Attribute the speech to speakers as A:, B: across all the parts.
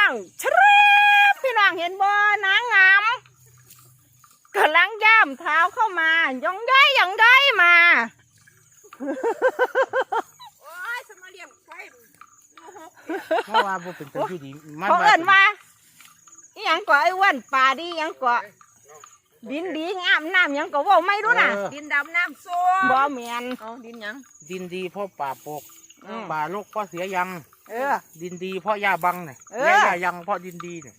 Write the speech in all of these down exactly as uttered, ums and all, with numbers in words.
A: องชะเร็บพี่น้องเห็นบ่นางงามกำลังย่ำเท้าเข้ามาย่องได้ย่องได้มา
B: โอ้ยสมาเลี้ยงไฟ
C: เพราะว่าบ่เป็นตัวที่ดี
A: เขาเอิ้นว่าอีหยังก่อไอ้อ้วนป่าดีหยังก่อดินดีงามน้ำหยังก็ว่าไม่รู้น่ะ
B: ดินดำน้ำส้ม
A: บ่แม่น
B: เอาดินหยัง
C: ดินดีเพราะป่าปกป่าโลกเพราะเสียยัง
A: เออ
C: ดินดีเพราะหญ้าบังเนี่ยหญ้ายังเพราะดินดีเนี่ย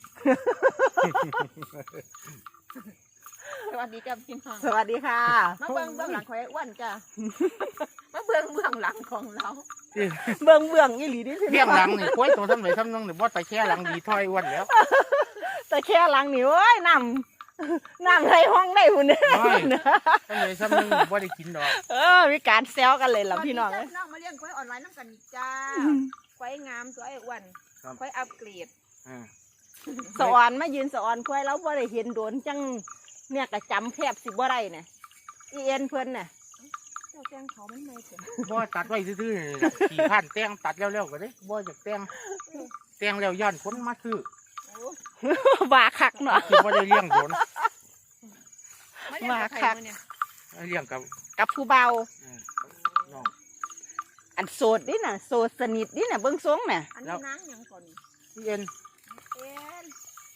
B: สวัสดีจ้าพี่น้อง
A: สวัสดีค่ะ
B: มาเบื้องเบื้องหลังของไอ้อ้วนจ้ามาเบื้องเบื้องหลังของเรา
A: เบื้องเบื้องอีหลีดิ
C: เบื้องหลังนี่ควยตัวทำไหนทำน้องเนี่ยบ่ตะแค่หลังดีถอยอ้วนแล้ว
A: ตะแค่หลังนี่โอ้ยน้ำน้ำไรห้องได้หุ่นเนี่ย
C: ทำไหนทำน้องบ่ได้กินดอก
A: เออมีการแซวกันเลยล่ะพี่น้อง
B: น้องมาเลี้ยงควายออนไลน์น้ำกันจ้าควายงามตัวไอ้อ้วนควายอัปเกรด
A: สะออนมายืนสะออนควายแล้วบ่ได้เห็นโดนจังเนี่ยกระจำแคบสิบ่ได้เนี่ยอีเอ็นเพิ่นเนี่ย
B: เจ้าแตงเขามันไม่เสร็จ
C: บ่ตัดไว้ซื่อๆขี่ผ่านแตงตัดแล้วๆก็ได้บ่จากแตงแตงแล้วย้อนคนมาซื้
A: อบาคักเนาะ
C: คือบ่ได้เลี้ยงโดน
A: บาคัก
C: เลี้ยงกับ
A: กับผู้เบา
C: น้อง
A: อันโสดดิน่ะโสดสนิทดิน่ะเบิ่งทรงน่ะ
B: อันนี้นางหยังก่อน
C: เอ็น
B: เอ็น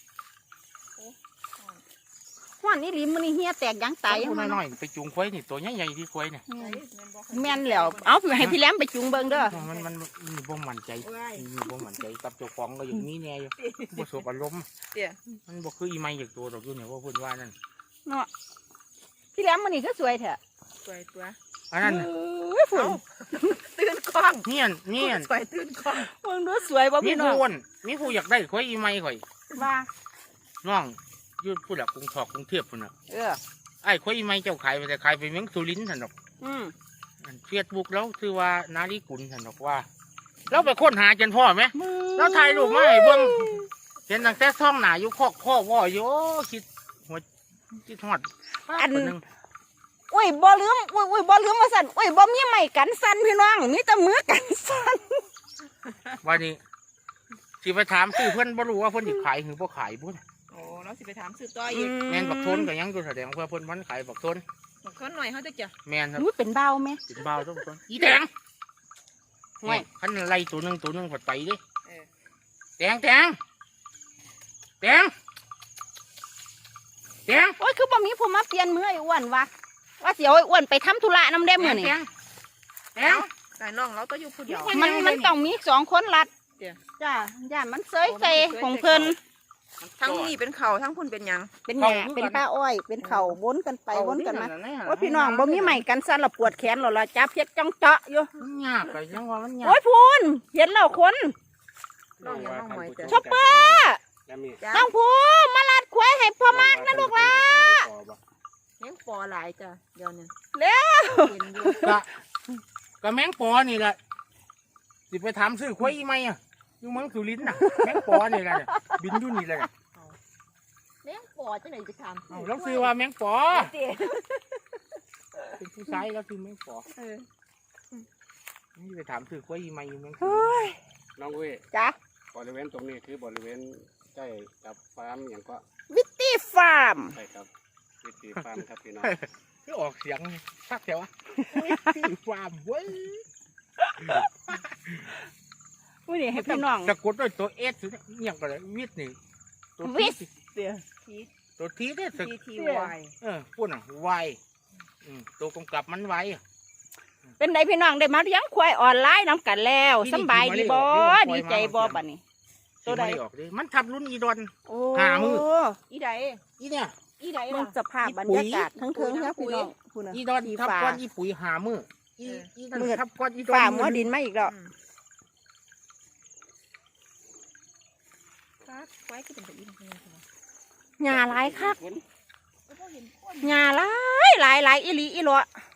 A: ห้อนนี่ลิมมันนี่เฮียแตกยังตายยัง
C: น้อยๆไปจุงควายนี่ตัวใหญ่ๆที่ควายเนี่ย
A: แม่นแล้วเอาให้พี่แหลมไปจุงเบิ่งเด้อ
C: มันมันมีบ่มั่นใจมีบ่มั่นใจกับเจ้าของก็อย่างนี้แน่อยู่บ่สบอารมณ์มันบ่คืออีไม้อย่างตัวดอกอยู่เนี่ยว่าเพิ่นว่านั่น
A: เนาะพี่แหลมมันนี่ก็สวยแท้
B: สวยตัว
C: อันนั้น
A: ฝุ่น
B: ตื่นกล้อง
C: เงี้ยเงี้ย
B: สวยตื่นกล้อง
A: มึงดูสวยบ่พี่น้อง
C: มีผู้มีผู้อยากได้ควายอีไม้ข่อย
A: ว่า
C: น้องยืดผู้หลักกรุงทอกกรุงเทพพุ่นน่ะ
A: เออ
C: ไอ้ควายไม่เจ้าขายไปแต่ขายไปเมืองสุรินทร์ท่านดอก
A: อืม
C: เฟียดบุกแล้วคือว่านาลีกุลท่านดอกว่าแล้วไปค้นหาจนพ่อไหมแล้วถ่ายรูปมาให้เบิ่งเห็นตั้งแต่ซ่องหนาอยู่คอกข้อว่ออยู่คิดหัวคิดทอด
A: อันอุ้ยบ่ลืมอุ้ยอุ้ยบ่ลืมมาสั่นอุ้ยบ่มีไม้กันสั่นพี่น้องมีแต่มือกันสั่น
C: วันนี้สิไปถามซื้อเพื่อนบ่รู้ว่าเพื่อนสิขายหรือบ่ขายบุ้น
B: โอ้เราสิไปถามซื้อต่ออีก
C: แมนบักทนก็ยังตัวแสดงเพื่อเพื่อนวันขายบักทน
B: บักทนหน่อยเขาจะจ้ะ
C: แมนครับ
A: เป็นเบาไหม
C: เป็นเบาต้องต้นอีแดงไม่ขันไล่ตัวหนึ่งตัวหนึ่งผัดไปดิแดงแดงแดงแดง
A: โอ้ยคือบ่มีผู้มาเปลี่ยนมือไอ้อ้วนวะว่าเสียวไอ้อ้วนไปทำธุระน้ำเด้มือนี่
C: แดง
B: แต่น้องเราต้องอยู่ผู้เดียว
A: มันมันต้องมีสองคนรัดจ้าย่ามันเซยเซของเพิ่น
B: ทั้งนี่เป็นเข่าทั้งพุ่นเป็นยัง
A: เป็นหญ้าเป็นป้าอ้อยเป็นเข่าวนกันไปวนกันมาว่าพี่น้องบ่มีใหม่กันสั่นเราปวดแขนเราเราจับเพชรจ้องเจาะอยู่
C: ยากไปยังว่ามันยาก
A: โอ้ยพูนเห็นแล้วคน
B: น้องยังน้องหมอยจ้ะ
A: ชอปเปอร์น้องพูมาลัดควายให้พ่อมากนะลูกล่ะ
B: ยังปอหลายจ้ะเดี๋ยวนี้
A: แล้ว
C: กะกะแมงปอนี่แหละสิไปถามซื้อควายอีไหมอ่ะอยู่เมืองสุรินทร์น่ะแมงปอนี่แหละบินอยู่นี่เลย
B: แมงปอจะไหนจะทำ
C: แล้วซื้อว่าแมงปอเป็นผู้ชายแล้วซื้อแมงปอนี่ไปถามซื้อควายอีไหมอยู่เมืองสุรินทร์
D: น้องเว้ย
A: จ้ะ
D: บริเวณตรงนี้คือบริเวณใกล้กับฟาร์มอย่างก็
A: วิตตี้ฟาร์ม
D: ใช่ครับวิตตี้ฟาร์มครับพี่น้อง
C: ที่ออกเสียงสักแถววิตตี้ฟาร์มเว้ย
A: วินี่ให้พี่น้อง
C: สะกดด้วยตัวเอสอย่างก็เลยวิทนี่
A: ตัววิท
C: ตัวทีเนี่ย
B: ทีทีวาย
C: เออพูดหน่อยวายตัวกำกับมันไว
A: เป็นไงพี่น้องได้มาเลี้ยงควายออนไลน์น้ำกันแล้วสบายดีบ่ดีใจบ่บัดนี้
C: ตัวใดออกดิมันทับรุ่นอีดอนหามือ
A: อีใด
C: อีเนี่ย
A: อีใดมันสภาพบรรยากาศทั้งเทิงครับพี่น้อง
C: อีดอนทับก้อนอีปุ๋ยหามืออีอีดอนทับก้อนอีดอน
A: ฝ่ามัวดินมาอีกแล้วหญ้าหลายคักหญ้าหลายหลายหลายอีหลีอีหลอ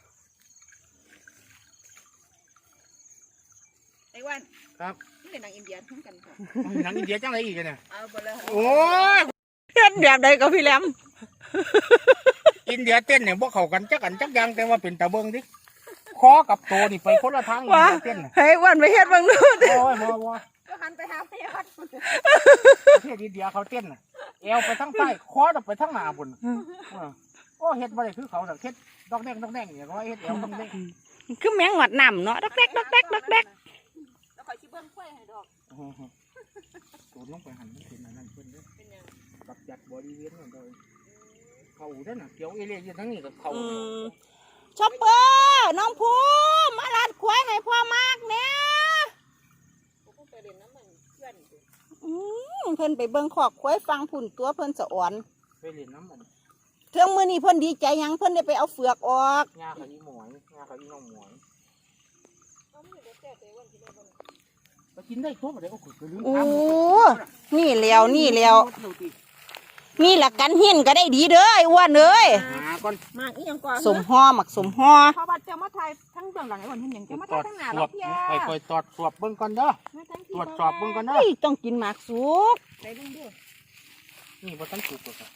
B: ไอ้วัน
C: ครับ
B: นี่เป็นนางอินเดียทั้งกันค่ะ
C: นางอินเดียจังไรอีกเนี่ย
B: เอาไปเลย
C: โอ้
A: ยเต้นแบบใดกับพี่แหลม
C: อินเดียเต้นเนี่ยพวกเขากันจักกันจักยังแต่ว่าเป็นตะเบิงดิคอกับโตนี่ไปคนละทาง
A: ว่าเต้นเฮ้ยวันไปเฮ็ดบางนู่น
C: โอ้ยบ่บ่
B: ก็หันไปหาพี่ฮัท
C: ประเทศอินเดียเขาเต้นน่ะเอวไปทั้งใต้คอไปทั้งหน้าบุญโอ้เฮ็ดบ่ได้คือเขาดอกเฮ็ดดอกแดงดอกแดงอย่างว่าเฮ็ดเอวดอกแดง
A: คือแมงหวัดน้ำเนาะดอกแดกดอกแดกดอกแดก
B: แล้วคอยชิเบิ้งกล้วยให้ดอก
C: ตูดลงไปหันมันเป็นอันนั้นเพิ่นเด้อ
B: เป็นยัง
C: กับจัดบริเวณนั่นเลยเขาเด้อน่ะเกี่ยวเอเลี่ยอยู่ทั้งนี้กับเขา
A: อืมชอปเปอร์น้องภูมิมาลาดควายให้พ่อมากเนี่ย
B: ผมเพิ่งไปเรียนน้ำมันเพื่อนอยู่
A: อืมเพิ่นไปเบิ่งขอกควายฟังผุ่นตัวเพิ่นสะอ่อน
C: ไปเล่นน้ำมัน
A: เทื่องมื้อนี้เพิ่นดีใจหยังเพิ่นได้ไปเอาเฟือกออก
C: งาเขาอีหมวยงาเขาอีน้องหมวย
B: เขาไม่ได้แก้แต่วันที่ได้บน
C: ไปกินได้ทั่วไปเลยก็ขุดไปลืม
A: โอ้นี่แล้วนี่แล้วนี่ละกันหินก็ได้ดีเด้อไอ้อ้วนเอ้ย
C: หาก่อน
B: มากอีหยังก่อน
A: สมห่อหมักสมห่อ
B: พอบัดจะมาถ่ายทั้งเบื้องหลังไอ้วันที่หนึ่งจะมา
C: ตร
B: ถ่า
C: วย จ
B: ทั้งหน้า
C: ส
B: เรา
C: อบ
B: เพีย
C: ไปคอยตรวจสอบเบิ่งก่อนเด้อ ตรวจสอบเบิ่งก่อนเด้อ
A: เฮ้ยต้องกินหมากสุก
B: ไปเบิ่งเด้อ
C: นี่บ่ทันสุกเลยครับ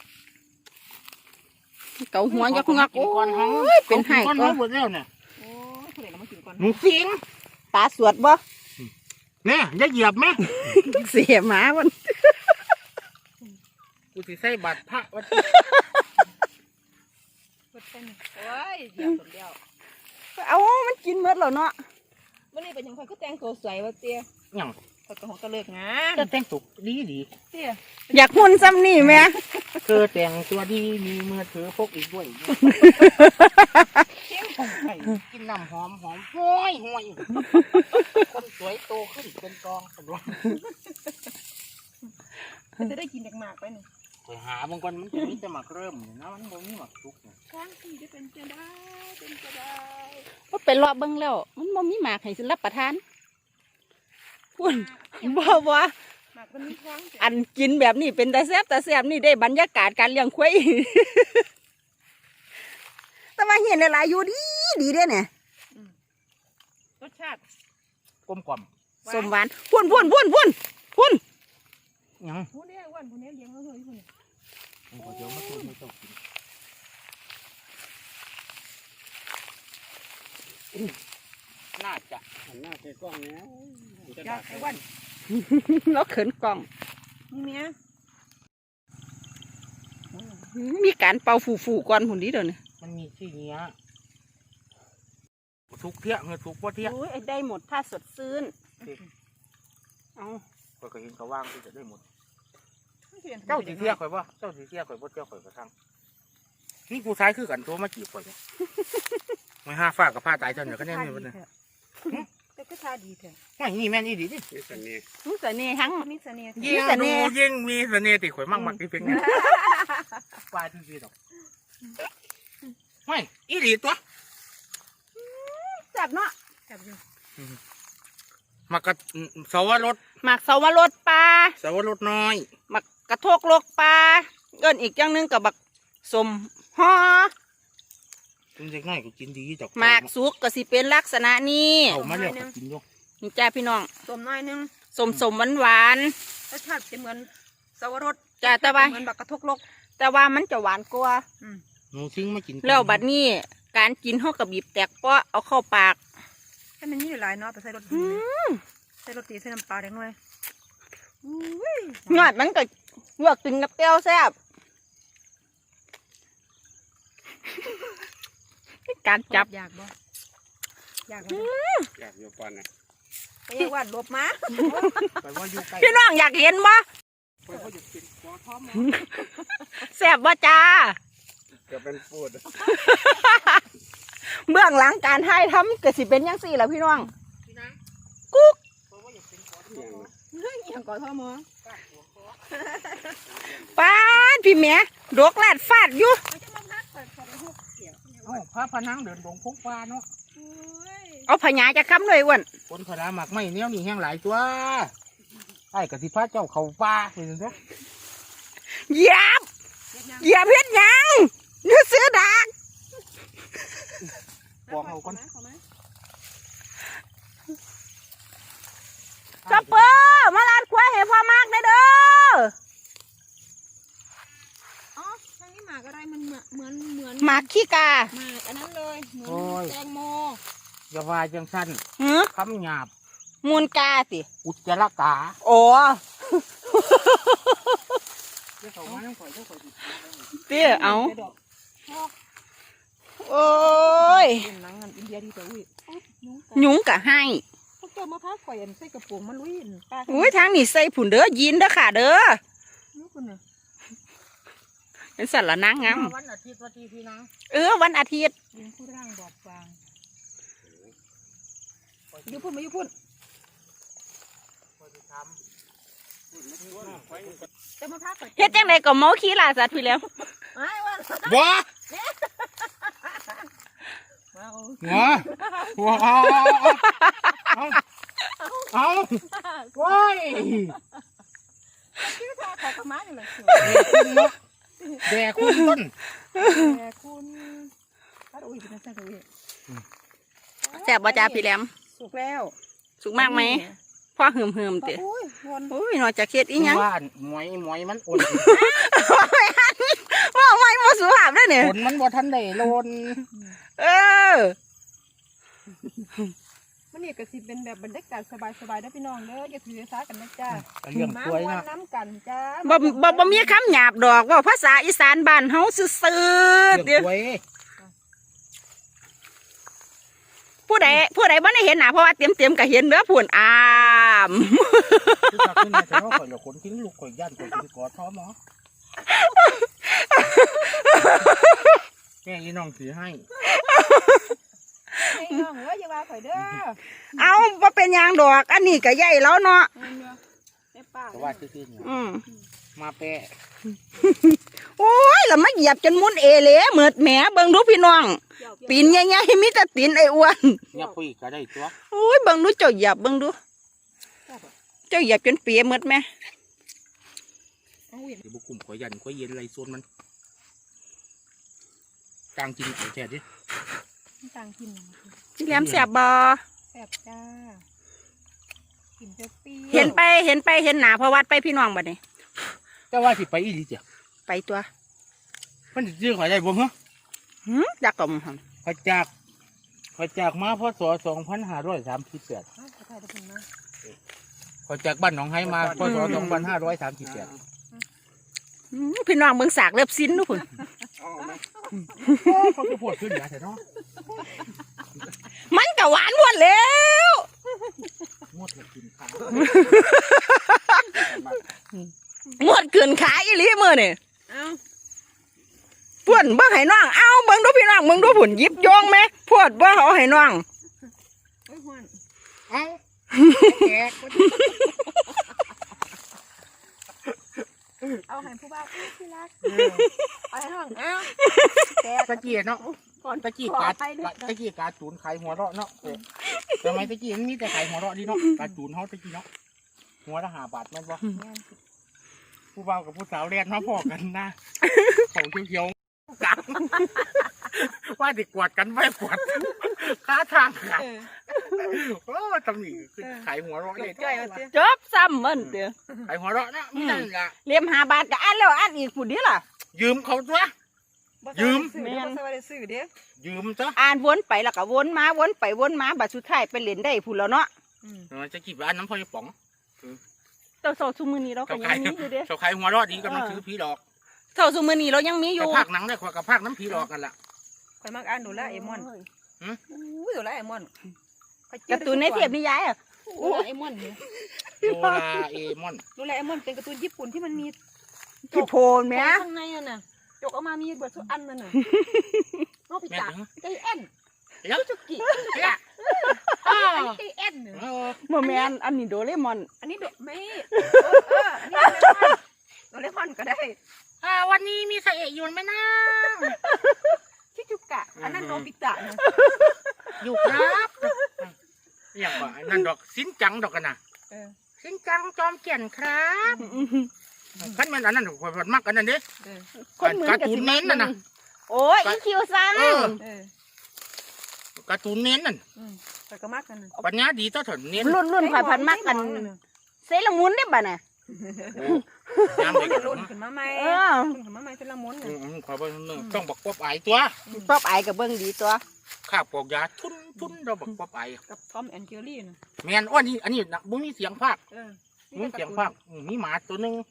A: เกาหัวยักงัก
C: กิ
A: โอ้
C: นก่อนเฮาย
A: เป็นไห้
C: ก่อน
A: ก็
C: เฮาหมดแล้วเนี่ย
B: โอ้ยผู้ใดเรามากินก่อน
C: หนูสิง
A: ตาสวดบ่
C: เนี่ยอย่าเหยียบแม่
A: เสียหมามัน
C: กูสิใส่บาตรพระวัด
B: เปิดเป็นโอ้ยเหยียบสมเดียว
A: เอามันกินหมดแล้วเนาะ
B: วันนี้เป็นยังไงก็แต่งตัวสวยว่าเตี้ย
C: หยัง
B: เขาก็หงกระเลิกงาน
C: จะแต่งตัวดีดี
B: เตี้ย
A: อยากหุ่นซ้ำนี่แม่
C: เธอแต่งตัวดีมีมือถือพกอีกด้วยเข้มของไข่กินน้ำหอมหอมห้อยห้อยคนสวยโตขึ้นเป็นกองสำรอง
B: จะได้กินจากหมากไปนี่
C: ไปหาบางคนมันจะมีแต่หมักเริ่มนี่นะมันบ่มีหมักทุกเนี่ย
B: ช้างที่จะเป็นจะได้เป็นจะได้
A: ก็ไปรอบเบิ่งแล้ว มันบ่มีหมากให้สิรับประทานพุ่นบ่บ่
B: หมากมันมีช้างจ้ะ
A: อันกินแบบนี้เป็นตาแซ่บตาแซ่บนี่ได้บรรยากาศการเลี้ยงควาย แต่ว่าเห็นหลายๆอยู่ดีดีเด้เนี่ย
B: รสชาติ
C: กลมกล่อม
A: สมหวานพุ่นพุ่นพุ่นพุ่นพุ่น
C: หยัง
B: ผู้นี้อ้วนผู้นี้เลี้ยงเขาเลยผู้นี้
C: ผมก็เดี๋ยวมาตัวไม่ต้องกินน่าจะ
D: หันหน้าใส่กล้องเนี้ยจะ
B: ยา
D: ดั
B: ก
D: ก
B: ไอ้อ้วน
A: แล้วเขินกล่อง
B: เมีย
A: มีการเป่าฟูๆก่อนหุ่นดีเดี๋ยวนี้
C: มันมีที่เนี้ยทุกเที่ยเงินทุกว่าเที่ย
A: โอ้ยได้หมดถ้าสดซื่นเอา
C: ข่อยก็เห็นเขาว่างที่จะได้หมด
B: เจ้า
C: เจ้าสีเที่ยข่อยว่าเจ้าสีเที่ยข่อยว่าเจ้าข่อยกระทั่งนี่ผู้ชายคือกันตัวมาจีบข่อยเนี่ยไม่ห้าฝากกับผ้าตายเจ้าเนี่ยก็แน่นอนเลย
B: แต่ก็ทาดีเถอะ
C: ไม่นี่แม่นอีดีดิ
D: นี่สันนี่
A: รู้สึกนี่ทั้ง
B: มีเสน่ห์
C: ยิ่งดูยิ่งมีเสน่ห์ติข่อยมั่งมักที่เป็นเนี่ยปลายที่ดีดอกไม่อีดีตัว
A: แซ่บเนาะ
B: จับอยู่
C: มากระสาวรส
A: หมักสาวรสปลา
C: สาวรสน้อย
A: หมักกระโทกโลกปลาเอิ้นอีกอย่างหนึงกับบักสมห่อ
C: คุณเด็กน้อยก็กินดีดอก
A: หมากสุกก็สิเป็นลักษณะนี้
C: เอามาแล้วก็กินอยู่
A: นี่จ้าพี่น้อง
B: ต้มน้อยนึง
A: สมสมหวานหวาน
B: รสชาติจะเหมือนสวรส
A: ๆจ้าแต่ว่า
B: เหมือนบักกระทกลก
A: แต่ว่ามันจะหวานกว่า
C: หนูซิงมากิน
A: แล้วบัดนี้การกินเฮากับบีบแตกเปาะเอาเข้าปาก
B: ให้มันนี่หลายเนาะไปใส่รสดีใส่รสดีใส่น้ำปลาเด็กน้อยอุ้ย
A: ยอดมันก็ลวกกินกับแก้วแซ่บการจับ
B: อยากบ่อยาก
D: อยากอยู่ปอนน่ะ
B: ไปเรียกว่าหลบมา
C: ไปว่าอยู่ใกล้
A: พี่น้องอยากเห็นบ่
C: ไปว่าอยู่กินกอท้อม
A: แซ่บบ่จ้า
D: จะเป็นปูด
A: เบื้องหลังการถ่ายทำก็สิเป็นยังสี่แหละพี่น้อง
C: พี่นาง
A: กุ๊ก
C: ไปว่าอยู่เป็นกอ
D: อย่าง
B: เฮ้ยอย่างก่อนท่อมอ
A: ป้าดพี่แม่ดกลาดฟาดอยู่
B: มันจะมาพักเปิดขอไปหุบเกี่ยว
C: เอ้าพระพนังเดินดงพงฟ้าเนาะ
B: โอ้ย
A: เอาพญาจะค้ำเลยอ้วน
C: คนพระหมักไม่เนี้ยนี่แห้งหลายตัวไอ้กะสิพระเจ้าเขาป่าเห็นไหม
A: เหยียบเหยียบเฮ็ดหยังนึกซื้อดัก
C: บอกเอาก่อน
A: จับเปอร์มาลาดควายให้พ่อมากได้เด้อ
B: อ๋อทางนี้หมากอะไรมันเหมือนเหมือนเหมือน
A: หมากขี้กา
B: หมากอันนั้นเลยเหมือนแตงโม
C: อย่าว่าจังสั้น
A: หือ
C: คำหยาบ
A: มูลกาสิ
C: อุจจาระกา
A: โอ้
C: เขามาน้ำข่อยเจ้าข่อยสิ
A: เตี้ยเอา
B: ไปดอก
A: โอ้ย
B: เป็นหนังอันอินเดียดีแต่อุ้ยยุง
A: ยุงกะให้
B: พวกเจ้ามาพาข่อยอันใส่กระโปรงมันลุยป้า
A: อุ้ยทางนี้ใส่ผุนเด้อยินเด้อค่ะเด้อ
B: ลูกคนน่ะ
A: เป็นสัตว์ละนางงาม
C: วันอาทิตย์วันที่พี่น้อง
A: เออวันอาทิตย์
B: ยิงผู้ร่างบอบบางอยุพุ่นมาอยุพุ่น
C: ข่อยสิท
B: เจ้ามาพาข่อย
A: เฮ็ดจังไดก็เมาขี้ล่าสัตว์พี่แล้ว
B: ไอ้วัน
C: ำว้า
B: มาเอา
C: หัวว้าเอาเอาเอาว้าย
B: ชื่อทาขอกระมานี่แหละ
C: แดกคุณต้น
B: แต่คุณป้าอุ้ยเป็นนักแสดงอุ้ย
A: แซ่บบ่จ้าพี่แหลม
B: สุกแล้ว
A: สุกมากไหมพ่อหืมหืมๆ
B: ป้า
A: เตะ
B: อุ้ยวน
A: อุ้ยนอกจากเฮ็ดอีหยัง
C: บ้านหมอยหมอยมันอุ่น
A: ว่าไม่บ่สุภาพเด้อเนี่ย
C: ฝนมันบ่ทันได้โลน
A: เออ
B: มันนี่ก็สิเป็นแบบบรรยากาศสบายๆนะพี่น้องเด้ออย่าถือสากันนะจ้า
C: เรื่อง
B: มา
C: ป่วย
B: วัน
C: นะ
B: น้ำกันจ้า
A: บ่บ่บ่มีคำหยาบดอกเว่าภาษาอีสานบ้านเฮาซื่อๆ
C: เรื่
A: เด้
C: อง
A: อ
C: ป่วย
A: ผู้ใดผู้ใดบ่ได้เห็นหน้าเพราะว่าเต็มๆก็เห็นเด้อพุ่นอาม
C: คือจากขึ้นมาแต่ว่าข่อยเหลือขนทิ้งลูกข่อยย่านข่อยสิกอดท้อหมอแม่ยีน้องถือให้
B: ให้น้องเอ้ยอย่าว่าข่อยเด้อ
A: เอาบ่เป็นหยังดอก อันนี้ก็ใหญ่แล้วเนาะ
B: แม่ป้า
C: แต่ว่าซื่อๆเนี่ย
A: อืม
C: มาแปะ
A: โอ้ยแล้วมาเหยียบจนมุนเอเหลเหมือดแหมเบิ่งดูพี่น้อง ปีนใหญ่ๆมีแต่ตีนไอ้อ้วน
C: เนี่ยปุ้ยก็ได้ตัว
A: โอ้ยเบิ่งดูเจ้าเหยียบเบิ่งดู เจ้าเหยียบจนเปียหมดแม่
B: เอาอุ้ย
C: เดี๋ยวบุกกลุ่มข่อยยันข่อยเย็นไรโซนมันกลางจริงไอ้แท้ดิ
B: ต่างกิน
A: พี่แหลมแซ่บบ่
B: แซ่บจ้ากินเปรี้ยว
A: เห็นไปเห็นไปเห็นหน้าพอวัดไปพี่น้องบัดนี้
C: แต่ว่าสิไปอีหลีเจ้ะ
A: ไปตัว
C: มันสิซื้อข่อยได้บ่ฮะ
A: หืมจักกะมหั่น
C: ข่อยจากข่อยจากมาพศสองพันห้าร้อยสามสิบแปด
B: อ้าวขอถ่ายได้เพิ่นนะ
C: ข่อยจากบ้านหนองไห้มาพศสองพันห้าร้อยสามสิบแปด
A: หืมพี่น้องเบิ่งสากเล็บซิ้นดูพุ่น
C: เขาจะปวดขึ้นเหนือแต่เนาะ
A: มันก็หวานหมดแล้ว
C: งดเลยกินข้าว
A: หมดเกินขาอีหลีมื้อนี่
B: เอ้า
A: พุ่นเบิ่งให้น้องเอาเบิ่งดูพี่น้องเบิ่งดูพุ่นหยิบโยงแม่พวดบ่เอาให้น้อง
B: โอ้ยฮ้อน
C: เอ้าแกะ
B: เอาให้ผู้บ่าวอุ้ยที่รักเอาให้ห้องเอ้าแกะ
C: ตะเกียบเนาะ
B: ก่อน
C: ตะกี้กาตะกี้กาจูนไข่หัวเราะเนาะเออทำไมตะกี้มันมีแต่ไข่หัวเราะดีเนาะกาจูนเขาตะกี้เนาะหัวละห้าบาทแม่นบ่ผู้บ่าวกับผู้สาวเรียนมาพอกันนะของเขียวๆกังว่าดิกวดกันไม่กวดค้าทางขาด
B: เออ
C: โอ้ตำหนิคือไข่หัวเราะเลย
B: ใกล้ๆว่าสิ
A: จบซ้ำมันเด้อ
C: ไข่หัวเราะนะไม่นั่นละ
A: เลียมห้าบาทก็อันแล้วอันอีกพุ่นเด้อล่ะ
C: ยืมเขาตัว
B: บ่
C: ยืม
B: ซื้อเด้อบ่ได้ซื้อเด้อ
C: ยืมซะ
A: อ่านวนไปแล้วก็วนมาวนไปวนมาบัดสุดท้ายไปเล่นได้พุ่นแล้วเนาะ
B: อืม
C: เออจะกี่บาทน้ำพอยป๋อง
A: เจ้าโซซุมื้อนี้เราก็
C: เขา
A: ยั
C: ขาย
A: งมีอยู่เด้อ
C: เขาขายหัวเราะดีกำลังซื้อผีหลอก
A: เท่าซุมื้อนี้เรายังมีอยู่
C: กับภาคหนังได้กว่ากับภาคน้ำผีหลอกกันล่ะ
B: ข่อยมักอ่านโดราเอมอน
C: หืม
B: อู้ยโดราเอมอนข้อยเจอ
A: การ์ตูนในเทียบนิยายอ่ะ
B: โดราเอมอนเนี่ย
C: โดราเอมอน
B: โดราเอมอนเป็นการ์ตูนญี่ปุ่นที่มันมี
A: ที่โพนแหม่
B: ข้างในนั่นน่ะจกออกมามีเบิดทุกอันนั่นน่ะเอาไป
C: แม่
B: จับ
C: ถึง
B: ไก่แอน
C: เดี๋ยว
B: จุกิ
C: เดี๋ยว
B: ไก่แอนเนี่ย
C: เออ
A: บ่แม่นอันนี้โดเรมอน
B: อันนี้โดไม่เอออันนี้โดเรมอนก็ได้
C: อ่าวันนี้มีเสเอะอยู่ไหมนะ
B: ชิจุกะอันนั้นโนบิตะนะ
C: อยู่ครับอย่างว่านั่นดอกสินจังดอกกันนะ
B: เออ
C: สินจังจอมเกียนครับขั้นแม่นอันนั้นข่อยมักอันนั้นเด้
B: เออ
A: คนเหมือน
C: การ์
A: กับ
C: ตูน
A: สิ
C: เน้นน่ะนะ
A: โอ้ยอีคิวซัง
C: เออ
B: เออ
C: การ์ตูนเน้นนั่น
B: อืมแต่ก็มักกันนะ
C: ปัญญาดีต่อถนเน้น
A: รุ่นรุ่นผ่านพันมากกันเซเลอรามุนได้บ่น่ะ
C: โอ้ยาม
B: มั
C: เด็
B: น
C: ก
B: จะรุ่น
C: เนาะ
B: ขึ้นมาใหม่
A: เออ
B: รุ่นขึ้นมาใหม่เป็นละมุน
C: อื
B: น่ะ
C: มขอบอกนึงต้องบักป๊อบไอตัว
A: ป๊อบอายกับเบิ่งดีตัว
C: ข้าปอกยาทุนทุนเราบักป๊อบไอ
B: กับทอมแอนเจอรี่นะ
C: แมนอ้อนี่อันนี้นะบุ้มีเสียงภาค
B: เออ
C: บุ้มีเสียงภาคอืมมีหมาตัวหนึง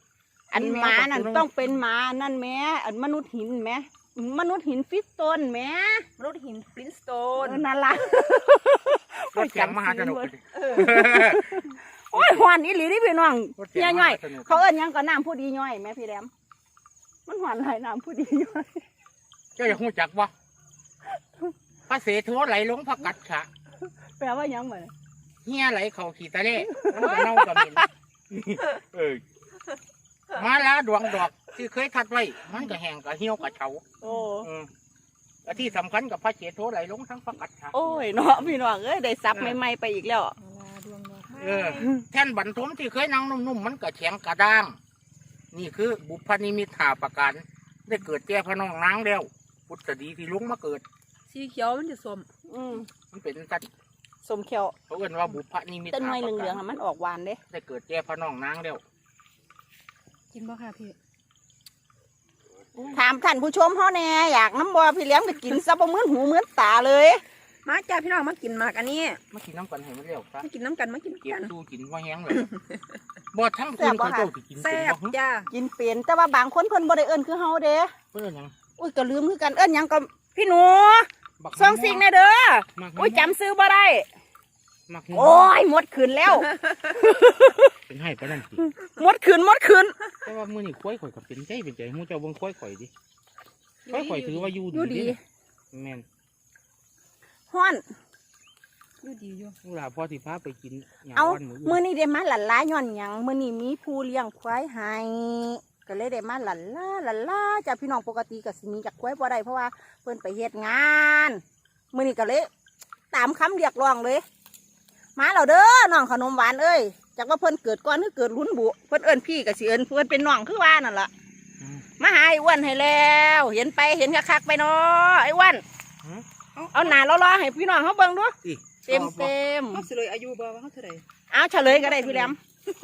A: อันหมานั่นต้องเป็นหมานั่นแหม่อันมนุษย์หินแหม่มนุษย์หินฟิสโตนแหม่
B: รถหินฟลินสโต
A: เอน อนั่นล่ะ
C: รถเสียงมหาสนุก
B: เออ
A: โอ้ยหวานอีหลีนี่พี่น้อง
C: รถเสีย
A: เฮี
C: ง
A: ย
C: ม
A: ย่อ
C: หาย สนุก
A: เขาเอิ้นหยังก็น้ำผู้ดีย่อยแม่พี่แหลมมันหวานหลายน้ำผู้ดีย่อย
C: เจ้าอยากรู้จักบ่พระเสโทไหลลงพระกัดฉะ
A: แปลว่าหยังเหมือน
C: เฮียไหลเข้าขี้ตะเล่มันก็เน่ากับเหม็นเออมาลาดวงดอกที่เคยทัดไว้มันก็แห้งก็เหี่ยวก็เฉา
A: โอ้
C: อืมและที่สำคัญกับพระเสโทไหลลงทั้งพระกัดฉะ
A: โอ้ยเนาะพี่น้องเอ้ยได้ซับใหม่ๆไปอีกแล้ว
B: ดวงดอกไม้
C: เออแท่นบรรทมที่เคยนั่งนุ่มๆมันก็แข็งกระด้าง นี่คือบุพนิมิตหาประการได้เกิดแก่พระน้องนางแล้วพุทธดีที่ลุงมาเกิด
B: สีเขียวมันจะส้ม
A: อืม
C: มันเป็นกัน
A: สมเขียว
C: เขาเอิ้นว่าบุพนิมิต
A: ต้น
C: หา
A: ไม้
C: ประ
A: เหลื
C: กา
A: อง
C: ร
A: ๆอะมันออกหวานเด้
C: ได้เกิดแก่พระน้องนางแล้ว
B: กินบ่ค่ะพี่
A: ถามท่านผู้ชมเฮาแน่อยากน้ำบ่พี่เลี้ยงไปกินซะบ่เหมือนหูเหมือนตาเลย
B: มาจ้าพี่น้องมากินหมากอันนี้
C: มากินน้ำกันให้มันเร็วซะ
B: มากินน้ำกันมากิน
C: เก็บ
B: กัน
C: ดูกินว่าแห้งเลยบ่ทั้งคืนเขาเจ้าสิกิน
B: แซ่
C: เป็น
B: บ
C: บ่
B: จ้า
A: กินเป็นแต่ว่าบางคนเพิ่นบ่ได้เอิ้นคือเฮาเด้
C: เพื่อนหยัง
A: อุ้ยก็ลืมคือกันเอิ้นหยังก็พี่หนู
C: บัก
A: ส่งสิ่งแน่เด้อ
C: มัก
A: อุ้ยจำซื้อบ่ได้
C: มัก
A: โอ้ยหมดคืนแล้ว
C: เป็นให้ปะนั่นสิ
A: หมดคืนหมดคืน
C: แต่ว่ามื้อนี้ควายข่อยก็เป็นใจเป็นใจฮู้เจ้าเบิ่งควายข่อยดิควายข่อยถือว่าอยู่
A: อยู่
C: ดี
A: ดี
C: เด้แม่น
A: ฮ้อน
B: อยู่ดีอยู่
C: เวลาพ่อสิพาไปกินหยัง
A: เอา
C: วันมื้อ
A: มื้
C: อื่
A: อน นี้ได้มาหลั่นล้าย้อนหยังมื้อนี้มีผู้เลี้ยงควายให้ก็เลยได้มาหลั่นล้าหลั่นล้าจากพี่น้องปกติก็สิมีจากควายบ่ได้เพราะว่าเพิ่นไปเฮ็ดงานมื้อนี้ก็เลยตามคำเรียกร้องเลย มาแล้วเด้อน้องขนมหวานเอ้ยจากว่าเพิ่นเกิดก่อนหรือเกิดลุ้นบุเพิ่นเอิ้นพี่ก็สิเอิ้นเพิ่นเป็นน้องคือว่านั่นล่ะ
C: อืม
A: มาหาไอ้อ้วนให้แล้ว เห็นไปเห็นคักๆไปเนาะไอ้อ้วน
C: หือ
A: เอาหน้าล้อๆให้พี่น้องเขาเบิ่งดู
C: สิ
A: เต็มเต็ม
B: เขาสิเลยอายุบ่ว่าเขาเท่าไหร่
A: เอาเฉลยก็ได้พี่แหลม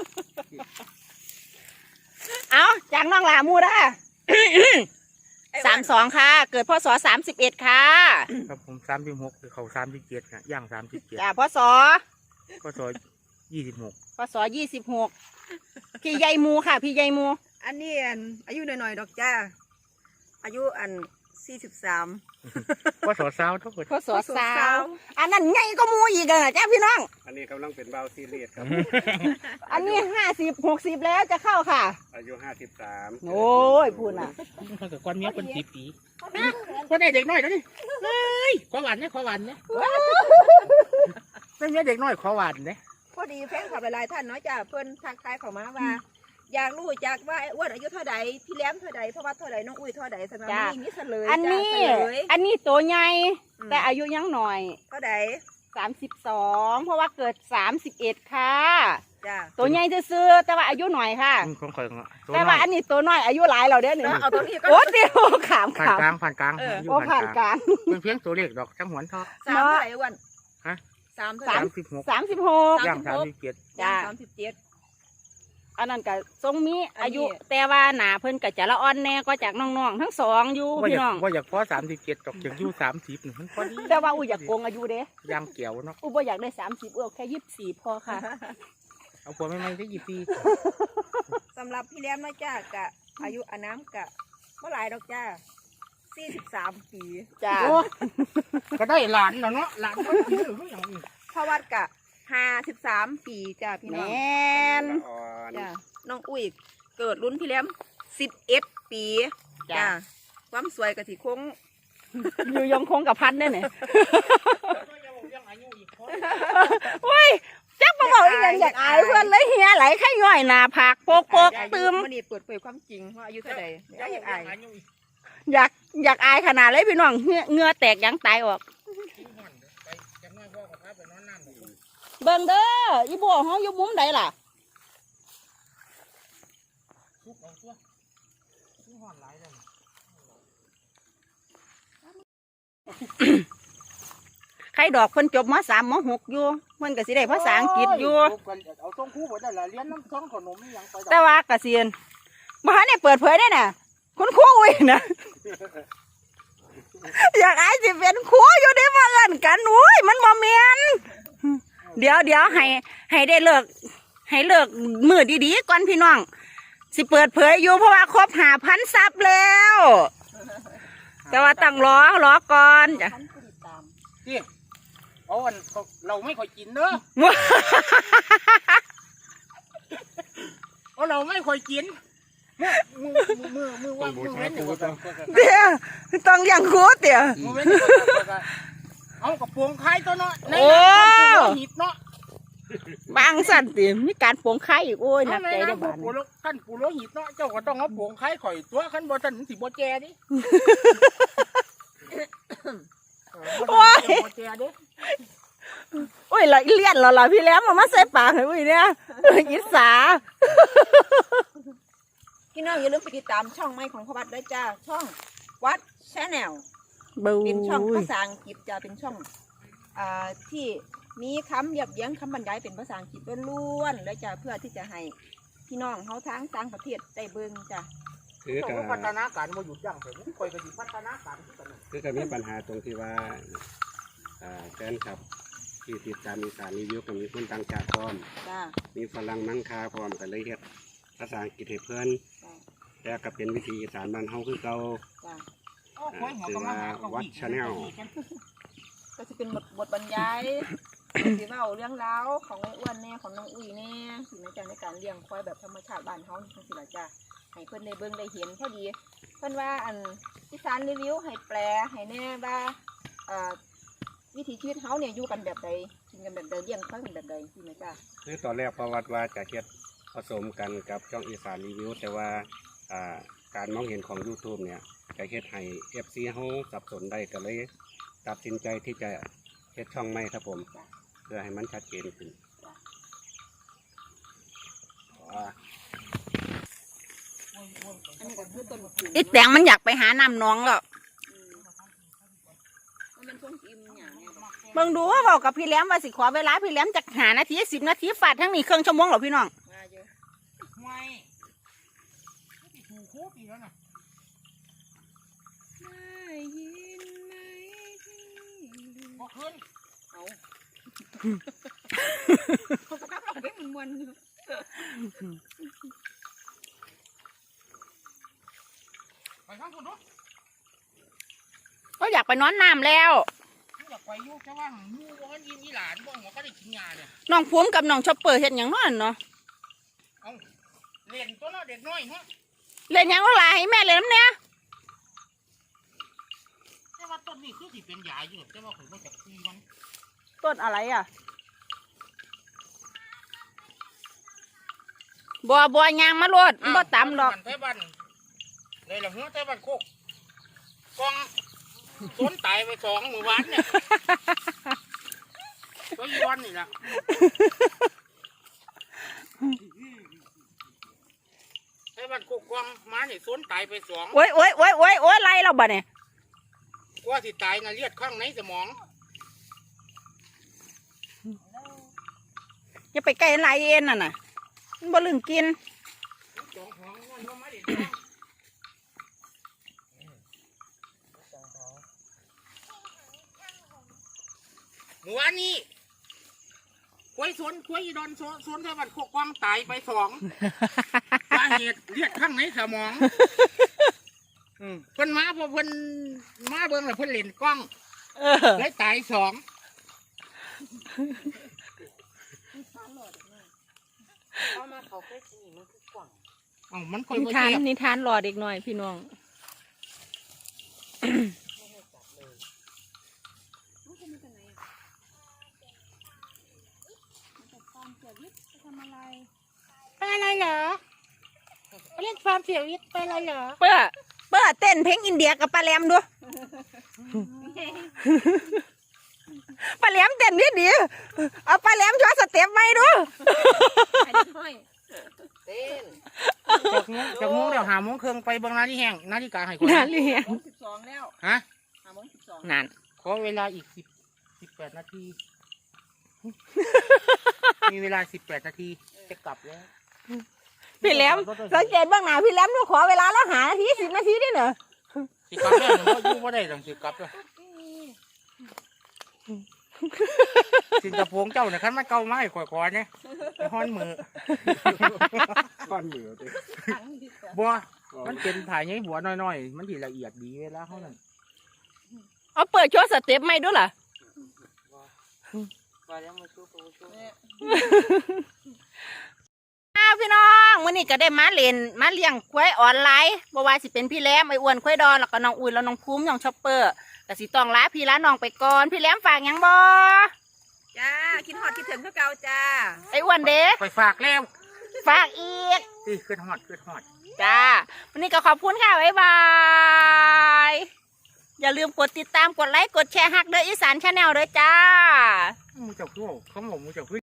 A: เอาจากน้องหลามูด้าสามสองค่ะ เกิดพศสามสิบเอ็ดค่ะ
C: ครับผมสามสิบหกคือเขาสามสิบเจ็ดนะย่างสามสิบเจ็ด
A: จ้าพศ
C: ก็ซอยยี่สิบหก
A: พศยี่สิบหกพี่ใหญ่มูค่ะ พี่ใหญ่มู
B: อันนี้อันอายุหน่อยๆดอกจ้าอายุอันสี่สิบสาม
C: ก็สอสาวทั้งหมด
A: พศสาวอันนั้นใหญ่ก็มูอีกอะจ้าพี่น้อง
D: อันนี้กำลังเป็นเบาซีเรียสครับ
A: อันนี้ห้าสิบหกสิบแล้วจะเข้าค่ะ
D: อายุห้าสิบสาม
A: โอ้ยพูดน่ะ
C: เขากับก้อนเมียเป็นสีปีก็ได้เด็กน้อยแล้วนี่เฮ้ยขอหวานเนี่ยขอหวานเนี่ยเป็นเมียเด็กน้อยขอหวานเนี่ย
B: พอดีแฟนคลับหลายๆท่านเนาะจ้าเพิ่นทักทายเข้ามาว่า อยากรู้จักว่าไอ้อ้วนอายุเท่าใดพี่แหลมเท่าใดเพราะว่าเท่าใดน้องอุ้ยเท่าใดสำหรับนี้มีเฉลย
A: อันนี้
B: จ้าเฉลย
A: อันนี้ตัวใหญ่
B: อืม
A: แต่อายุยังหน่อย
B: เท่าใด
A: สามสิบสองเพราะว่าเกิดสามสิบเอ็ดค่ะ
B: จ้า
A: ตัวใหญ่ซื่อๆแต่ว่าอายุหน่อยค่ะ
C: ของข่อยของตัว
A: แต่
C: น้
A: ว่า
C: อย
A: อันนี้ตัวน้อยอายุหลายเราเด้อหนึ่ง
B: เอาตัวนี้ก็
A: โอ้เดียวขาม
C: ผ่าน
A: ขาม
C: กลางผ่านกลาง
B: เออ
C: อยู่
A: โอ้ผ่านกลาง
C: เป็นเพียงตัวเลขดอกจังหวนทอ
B: สามเท่าไหร่อ้วน
C: ฮะ
B: สามเท่าไห
C: สา
B: ร่
C: มสิบหก
A: สามสิบหก
C: ย่างสามสิบเจ็ด
A: จ้า
B: สามสิบเจ็ด
A: อันนั้นก็ทรงมีอายุ
B: อันนี้
A: แต่ว่าหนาเพิ่นก็จะละอ่อนแน่ก็จากน้องๆทั้งสองอยู่
C: ว่าอ
A: พี่
C: ยา
A: น้อก ง
C: ว่าอยากพอสามสิบเจ็ดดอกอย่างอยู่สามสิบหนึ่งมันพอดี
A: แต่ว่าอุ้ยอยากโกงอายุเด้
C: ย่างเกี่ยวเนาะ
A: อุ้ยบ่อยากได้สามสิบเออแค่ยี่สิบสี่พอค่ะ
C: เอาผัวไม่ไม่ได้ยี่ปี
B: สำหรับพี่แหลมเนาะจ้ากะอายุอาน้ำกะเมื่อหลายดอกจ้าสี่สิบสามปี
A: จ้า
C: โอ้ก็ได้หลานแล้วเนาะหลานก็ถือหรืออย่างนี้
B: พ่อวัดกะห้าสิบสามปีจ้าพี่
A: แม
B: น้อง
A: น
D: ละอ่อน
B: จ้าน้องอุ้ยเกิดรุ่นพี่แหลมสิบเอ็ดปี
A: จ้า
B: จ้าความสวยกะสิคง
A: อยู่ยงคงกับพันได้เนี่ยโอ้ยจักมาบอกอีกอย่างอยากอายเพื่อนเลยเฮียไหลไข่ย่อยหนาผักโปกโปกตืม
B: วันนี้เปิดเผยความจริงว่าอายุเท่าใดจ้าอยากอาย
A: อยากอยากอายขนาดเลยพี่น้องเหงื่อเหงื่อแตกยังตายออก เบิ่งเด้ออีบัวเฮาอยู่มุมใดล่ะ ใครดอกเพิ่นจบมสามมหกอยู่เพิ่นก็สิได้ภาษาอังกฤษอยู่
C: เอาส่งครูบ่ได้ละเรียนน้ำซ้องขนมยังไป
A: แต่ว่าเกษียณบ่ทันได้เปิดเผยได้น่ะคุณครูอุ้ยน่ะ อยากอายสิเป็นครูอยู่ได้มาเอิ้นกันอุ้ยมันบ่แม่นเดี๋ยวเดี๋ยวให้ให้ได้เลิกให้เลิกมือดีๆก่อนพี่น้องสิเปิดเผยอยู่เพราะว่าครบหาพันซับแล้ว แต่ว่าต้องรอรอก่อนจ้ะ
B: ท่านผู้ติดตาม
C: ที่เอาอันเราไม่ค่อยกินเด้อเอาเราไม่ค่อยกินมือมือมือมือว่ามือเว้นอยู่ก่อน
A: เดี๋ยวต้องอย่างคูดเดี๋ยว
C: มือเว้นอยู่ก่อนเอากระโปรงคล้ายตัวเนาะในนั้นมันหิบเนาะ
A: บางสั่นติมีการโปงไข่อีกโอ้ยหนั
C: เอา
A: ก
C: ใน
A: ใจ
C: นั้
A: ได้
C: น
A: บ้าน
C: ปูโลขั้นปูโลหิบเนาะเจ้าก็ต้องเอาโปรงคล้ายข่อยตัวขั้นบ่ทันสิบ่แจดิโอ้ยบ่แจดิ
A: โอ้ยเราเลี่ยนเราเราพี่แหล้วมามาใส่ปากให้อุ้ยเนี่ยอิสา
B: พี่น้องอย่าลืมไปติดตามช่องใหม่ของพ่อวัดด้วยจ้าช่องวัดชาแนล
A: บู
B: เป็นช่องภาษาอังกฤษจะเป็นช่องอ่าที่มีคำเรียบเรียงคำบรรยายเป็นภาษาอังกฤษล้วนๆและจะเพื่อที่จะให้พี่น้องเขาทั้งต่างประเทศได้เบิ่งจ้ะ
D: คือ
C: ต้
D: กั
C: องพัฒนาการบ่หยุดยั้งเถอะข่อยก็สิพัฒนาการคือกัน
D: คือกับมีปัญหาตรงที่ว่าอ่าแฟนคลับที่ติดตามอีสานรีวิวก็มีคนต่างชาติพร้อม
B: จ้า
D: มีฝรั่งมังคาพร้อมกันเลยเฮ็ดภาษาอังกฤษให้เพิ่น
B: จ้า
D: แต่ก็เป็นวิธีอีสานบ้านเฮาคือเก่า
B: จ้า
D: วัด Channel
B: ก็จะเป็นบทบทบรรยายสิเว้าเรื่องราวของไอ้อ้วนแน่ของน้องอุ้ยแน่สิในการในการเลี้ยงควายแบบธรรมชาติบ้านเฮาจังซี่ล่ะจ้าให้เพิ่นได้เบิ่งได้เห็นพอดีเพิ่นว่าอันอีสานรีวิวให้แปลให้แน่ว่าเอ่อวิถีชีวิตเฮาเนี่ยอยู่กันแบบใดกินกันแบบใดเลี้ยงควายกันแบบใดสิแม่จ้า
D: คือตอนแรกประวัติว่าจะเฮ็ดผสมกันกับช่องอีสานรีวิวแต่ว่าอ่าการมองเห็นของ YouTube เนี่ยจะเฮ็ดให้ เอฟ ซี เฮาสับสนได้ก็เลยตัดสินใจที่จะเฮ็ดช่องใหม่ครับผม เพื่อให้มันชัดเจนขึ้นอ่า
B: อันนี้ก็คือต้นมะกรูด
A: อีแตงมันอยากไปหาน้ำน้องแล้ว
B: มันเป็นช่วงอิ่มอย่างเนี้ย
A: เบิ่งดูว่าบอกกับพี่แหลมว่าสิขอเวลาพี่แหลมจากหานาทีสิบนาทีฟาดทั้งนี้เครื่องชั่วโมงหรอพี่น้อง
B: มาเยอะ
C: ไม่ถูกโคตรอีกแล้วนะ
B: ได้ยินไหม
C: บอกขึ้น
B: เอาเขาก็ร้องเพลงมันมวนอยู่
C: ไปข้างคุณด้วย
A: ก็อยากไปนอนน้ำแล้ว
C: อยากไปยุ่งแค่ว่ามูว่ากันยินอีหลานบ่หัวก็ได้กินยาเนี่ย
A: น้องภูมิกับน้องชอปเปอร์เห็นอย่างนั้นเนาะ
C: เอาเรียนตัวเนาะเด็กน้อยเนาะ
A: เล่นหยังก็หลายให้แม่เล่นน้ำเนี่ย
C: แต่ว่าต้นนี้คือสิเป็นยาอยู่แต่ว่าผมก็จะตีมัน
A: ต้นอะไรอ่ะบัวบัวยางมาโลดบ่ตำดอก
C: ไทบ้านเลยละหัวไทบ้านโคกกองสนตายไปสองมือวานเนี่ยก็ยีวันนี่แหละไทบ้านโคกกองมาเนี่ยสนตายไปสอง
A: โอ้ยโอ้ยโอ้ยโอ้ยโอ้ยไรเราบ่เนี่ย
C: กว่าสิตายนะเลือดข้างในสมอง
A: อย่าไปใกล้ไรเอ็นน่ะน่ะมันบ่ลึงกิน
C: สองของมันว่าไม่ได้เมื่อวานนี้ควยสวนควยอีดอนสวนสวนไทบ้านโคกกองตายไปสองสาเหตุเลือดข้างในสมอง อืมเพิ่นมาพอเพิ่นมาเบิ่งแล้วเพิ่นเล่นกล้อง
A: เออ
C: เลยตายสอง
B: เอามาเขาเคยสิมันคือกว่าง
C: อ๋อมันค่อย
A: นิ
C: บ่
A: ทาน
C: เจ็บ
A: นิทานรอเด็กหน่อยพี่น้อง
B: มันจะมาจากไหนอ่ะมาจากฟาร์มเสียวิทย์จะทำอะไร
C: ไปอะไรเหรอไปเล่นฟาร์มเสียวิทย์ไปอะไรเหรอ
A: เปื้อเปื้อเต้นเพลงอินเดียกับปลาแหลมดูปลาแหลมเต้นนิดเดียวเอาปลาแหลมช่วยสเต็ปไหมดู
B: ไอ้เด็กน้อยเต้น
C: จากโมงจากโมงเดี๋ยวหาโมงครึ่งไปเบิ่งนาฬิแห้งนาฬิกาให้คน
A: นั่นเลย
B: โมงสิบสองแล้ว
C: ฮะ
B: ห้าโมงสิบสอง
A: นั่น
C: ขอเวลาอีกสิบสิบแปดนาที มีเวลาสิบแปดนาทีจะกลับแล้ว
A: พี่แหลมสังเกตบ้างหนาพี่แหลมดูขอเวลาแล้วหานาทีสิบนาทีได้เหรอ
C: สิกลับแล้วหนูก็อยู่บ่ได้ต้องสิกลับแล้วสินกระโปรงเจ้าเนี่ยคันมันเก่าไม้ก่อยๆเนี่ยไปฮ้อนมือ
D: ก้อนเหนือติ
B: ทั้งที่จะ
C: บัวมันเป็นถ่ายไงบัวน้อยๆมันสิละเอียดดีเวลาเขานั่น
A: เอาเปิดโชว์สเต็ปใหม่ด้วยล่ะ
C: ว่าแล้วมาชูโปชู
B: เนี่ย
A: อ้าวพี่น้องวันนี้ก็ได้มาเล่นมาเลี้ยงควายออนไลน์บ่ว่าสิเป็นพี่แหลมไอ้อ้วนควายดอนแล้วก็น้องอุ่นแล้วน้องภูมิน้องช็อปเปอร์ก็สิต้องลาพี่ลาน้องไปก่อนพี่แหลมฝากหยังบ่
B: จ้าคิดฮอดคิดถึงคือเก่าจ้า
A: ไอ้อ้วนเด้
C: ไปฝากแล้ว
A: ฝากอีก
C: ตีขึ้นฮอดขึ้นฮอด
A: จ้าวันนี้ก็ขอบคุณค่ะบ๊ายบายอย่าลืมกดติดตามกดไลค์กดแชร์ฮักเด้ออีสานชาแนลเด้อจ้า
C: มูเจ้าคือเขาบอกมูเจ้าคือ